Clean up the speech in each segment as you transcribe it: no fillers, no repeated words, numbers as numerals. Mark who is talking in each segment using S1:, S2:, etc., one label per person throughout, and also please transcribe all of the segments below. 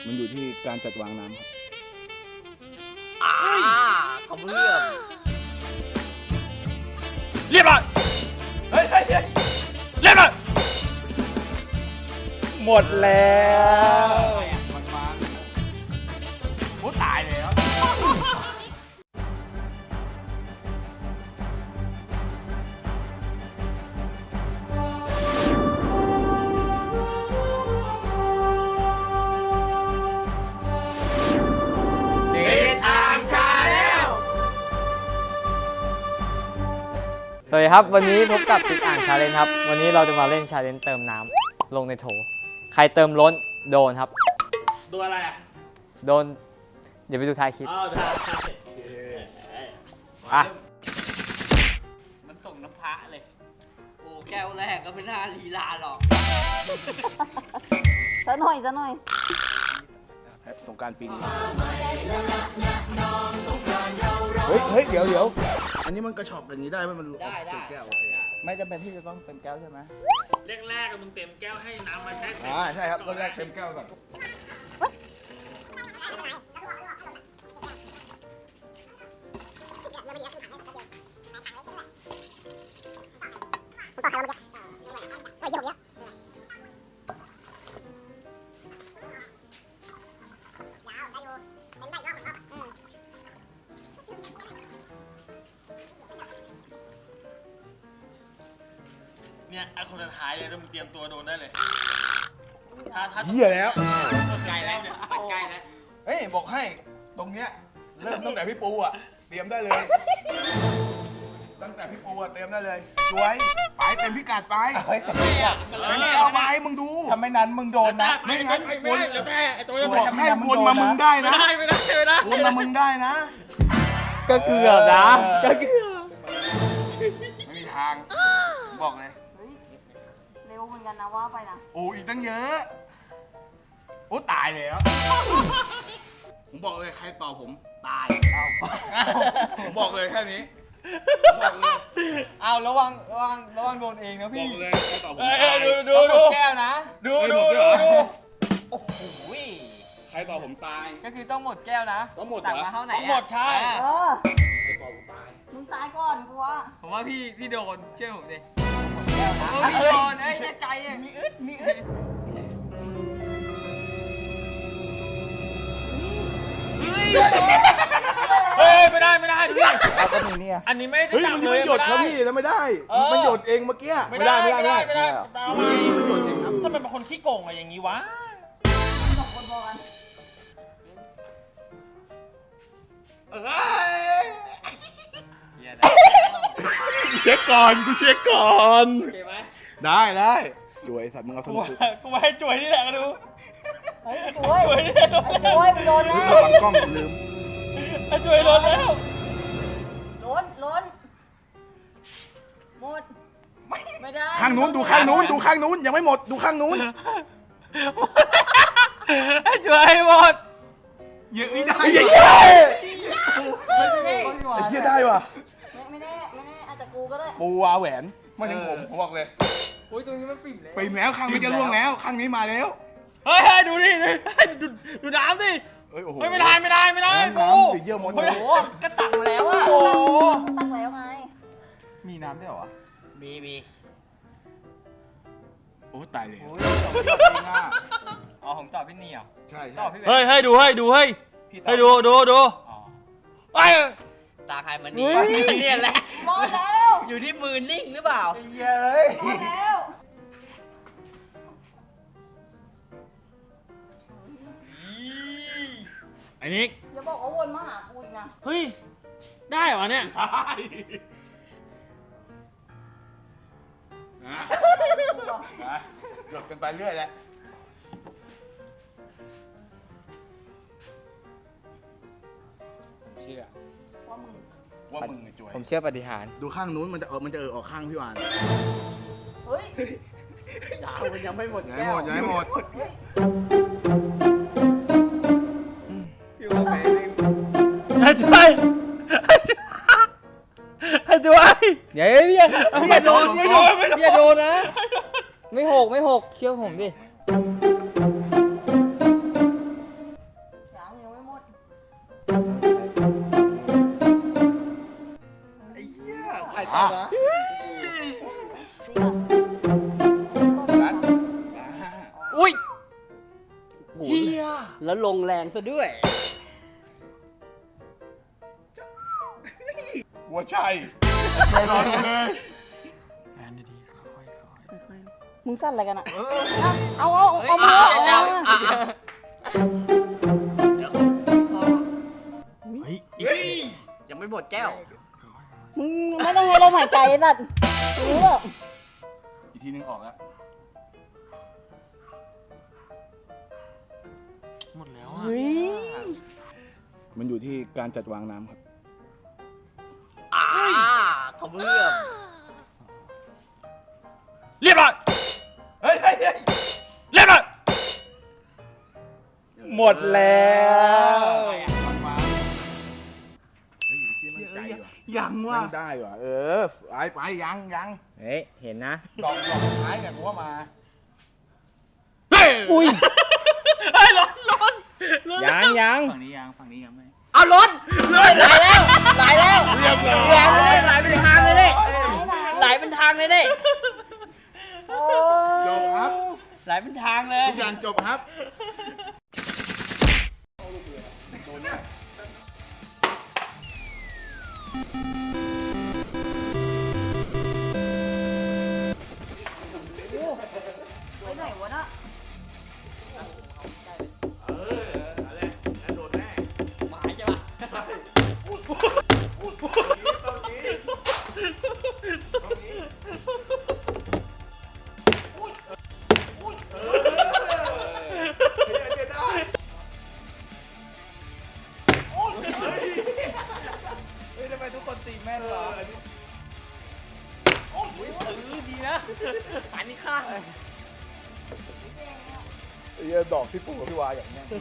S1: มันอยู่ที่การจัดวางน้ำครับ
S2: เขาเพื่อ
S1: เรียบร้อยเฮ้ยเรียบร้อยหมดแล้วมันโอ้ตายแล้ว
S2: สวัสดีครับวันนี้พบกับติดอ่างชาเลนจ์ครับวันนี้เราจะมาเล่นชาเลนจ์เติมน้ำลงในโถใครเติมล้นโดนครับ
S3: โดนอะไรอ่ะ
S2: โดนเดี๋ยวไปดูท้ายคลิป
S3: ได้
S2: อ่ะ
S4: มันส่งน้ำพระเลย โอ้แก้วแรกก็ไม่น่าลีลาหรอก
S5: จะหน่อยจะหน่อย
S1: สงกรานต์ปีนี้เฮ้ยเดี๋ยวอันนี้มันกระชอบอย่างนี้ได้ไหมมัน
S4: ได้
S1: แก้วไม่จำเป็นที่จะต้องเต็มแก้วใช่ไหม
S3: แรกๆมึงเต็มแก้วให้น้ำมันได้
S1: ใช่ครับตอนแรกเต็มแก้วก่อน
S3: เนี่ยไอ้คนสุดท้ายเลยต้องเตรียมตัวโดนได้เลยถ้า
S1: เหี้ยแล้ว
S3: ใกล้แล้วเนี่ยปัดใกล้แล้ว
S1: เฮ้ยบอกให้ตรงเนี้ยเริ่มตั้งแต่พี่ปูอ่ะเตรียมได้เลยตั้งแต่พี่ปูอ่ะเตรียมได้เลยสวยไปเต็มพิกัดไปไม่เอาไปมึงดูทำไมนั้นมึงโดนนะไม่งั้น
S3: วนแล้วแต่ไอ้ตัวจะ
S1: บอกให้วนมามึงได้นะ
S3: ไม่ได้
S1: วนมามึงได้นะ
S2: ก็เกือบนะก็เกือบ
S1: ไม่มีทางบอกเลย
S5: เร็วเหมือนกันนะว่าไปนะ
S1: โอ้อีกตั้งเยอะโอ้ตายแล้วผมบอกเลยใครต่อผมตายผมบอกเลยแค่นี้บอกเลย
S2: เอาระวังโดนเองนะพี่
S1: บอกเลยใครต่อผมตาย
S2: ดูแก้วนะดูโอ้โห
S1: ใครต่อผมตาย
S2: ก็คือต้องหมดแก้วนะ
S1: ต้องหมด
S2: ตักมาเท่าไหร่
S3: หมดใช่
S1: ใครต่อผมตาย
S5: มึงตายก่อนกูว่า
S2: ผมว่าพี่โดนเชื่อผมดิพี่โดนใจ
S1: มีอึด
S3: เฮ้ยไม่ได้ดูดิ
S1: ก็มีเนี่ย
S3: อันนี้ไม่ได้
S1: จับเลยมันหยดครับพี่แล้วไม่ได้มันหยดเองเมื่อกี้
S3: ไม่ได้
S1: มันหยดเอง
S3: ครับถ้ามันเป็นคนขี้โกงอะไรอย่างนี้วะ
S5: สองคนพอกัน
S1: เช็คก่อนกูเช็คก่อน
S2: โอเคไหม
S1: ได้จ่วยสัตว์มึงเอาสนุก
S3: กูให้จ่วยนี่แหละก็ดู
S5: จ่วยนี่จ่วยโดนแล้ว
S1: บังกล้องลืม
S3: จ่วยโดนแล้ว
S5: ล้นหมดไม่ได้
S1: ข้างนู้นดูข้างนู้นยังไม่หมดดูข้างนู้น
S3: จ่วยหมด
S1: เยอะไม่ได้เยอะได้ว่ะ
S5: ไม่แน่อาจจะกูก็ได้
S1: ปูวาแหวนไม่ถึงผมบอกเลย
S2: โอ้ยตรงนี้มันปิ่มแล้ว
S1: ข้างนี้จะล่วงแล้วข้างนี้มาแล้ว
S3: เฮ้ยดูดิดูน้ำดิไม่ได้
S1: ปูเยอะหมด
S2: โอ้โหก็ตักมาแล้วอ่ะ
S5: โอ้ตักแล้วไง
S1: มีน้ำด้วยเหรอ
S4: มี
S1: โอ้ตายเลย
S2: อ๋อผมตอบพี่นี่เหรอ
S1: ใช่
S3: ตอบพี่เฮ้ยดูให้ดูไอ้
S4: ตาใครมันนี่เนี่ยแหละ
S5: หมดแล้ว
S4: อยู่ที่มือนิ่งหรือเปล่า
S1: เย้ย
S5: หมดแล้ว
S3: ไอ้นิก
S5: อย่าบอกว่าวนมาหากูอีกนะ
S3: เฮ้ยได้เหรอเนี่ย
S1: หลบกันไปเรื่อยแหละ
S2: เชื่อ
S1: ว่ามึงไงจ่วย
S2: ผมเชื่อปฏิหาร
S1: ดูข้างนู้นมันจะออกข้างพี่วาน
S5: เฮ้ย
S4: มันยังไม่หมด
S1: ยังไม่หมด
S3: ช่วย
S2: อย่าโดนนะไม่หกเชื่อผมดิอุ้ย
S4: เฮียแล้วลงแรงซะด้วย
S1: หัวชัยช่วยรอดูเลย
S5: มึงสั้นอะไรกันอ่ะเอามือเอามา
S4: ยังไม่หมดแก้ว
S5: มึงไม่ต้องให้ลมหายใจไอ้สัตว์รู้หรอ
S1: อีกทีนึงออกแล้ว
S3: หมดแล้ว
S5: เฮ้ย
S1: มันอยู่ที่การจัดวางน้ำครับ
S4: เขาเพื่อม
S2: เรียบร้อย
S1: เฮ้ย
S2: เรียบร้อย
S1: หมดแล้วเฮ้ยอยู่ที่มั่นใจว่ะ
S3: ยังว่ะ
S1: มันได้ว่ะไปยัง
S2: เฮ้ย เห็นนะ
S1: ดอกท้ายเนี่ยกูว่ามา
S2: อุ้ย
S3: เฮ้ยร้อน
S2: ยัง
S3: ฝั่งนี้ยังไม่
S4: เอาล้นเลยไหลแล้วไหลแล้ว
S1: เรียบร้อย
S4: แรงเลยไหลเป็นทางเลยเนี่ยไหลเป็นทางเลยเนี่ย
S1: จบครับ
S4: ไหลเป็นทางเลย
S1: ทุกอย่างจบครับ
S5: ไปไหนวะน่ะ
S4: หมายใช่ปะ
S1: เฮ้ยทำไมทุกคนตีแม่นวะ
S4: ดีนะปานนี้ข้าง
S1: ดอกที่ปู่กับพี่วาอย่างเนี้ย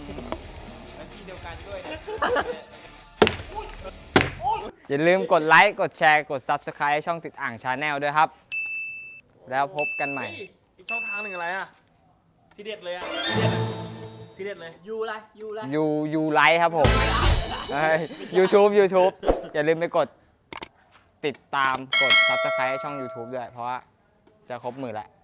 S2: อย่าลืมกดไลค์ กดแชร์ กด Subscribe ให้ช่องติดอ่างชาแนลด้วยครับ แล้วพบกันใหม่
S3: อีกช่องทางหนึ่งอะไรอ่ะ ที่เด็ดเลยอ่ะ ที่เด็ดเลย
S4: ยูไรยูไร
S2: ยูไลค์ครับผมYouTube อย่าลืมไปกดติดตาม กด Subscribe ให้ช่อง YouTube ด้วย เพราะว่าจะครบ10,000แล้ว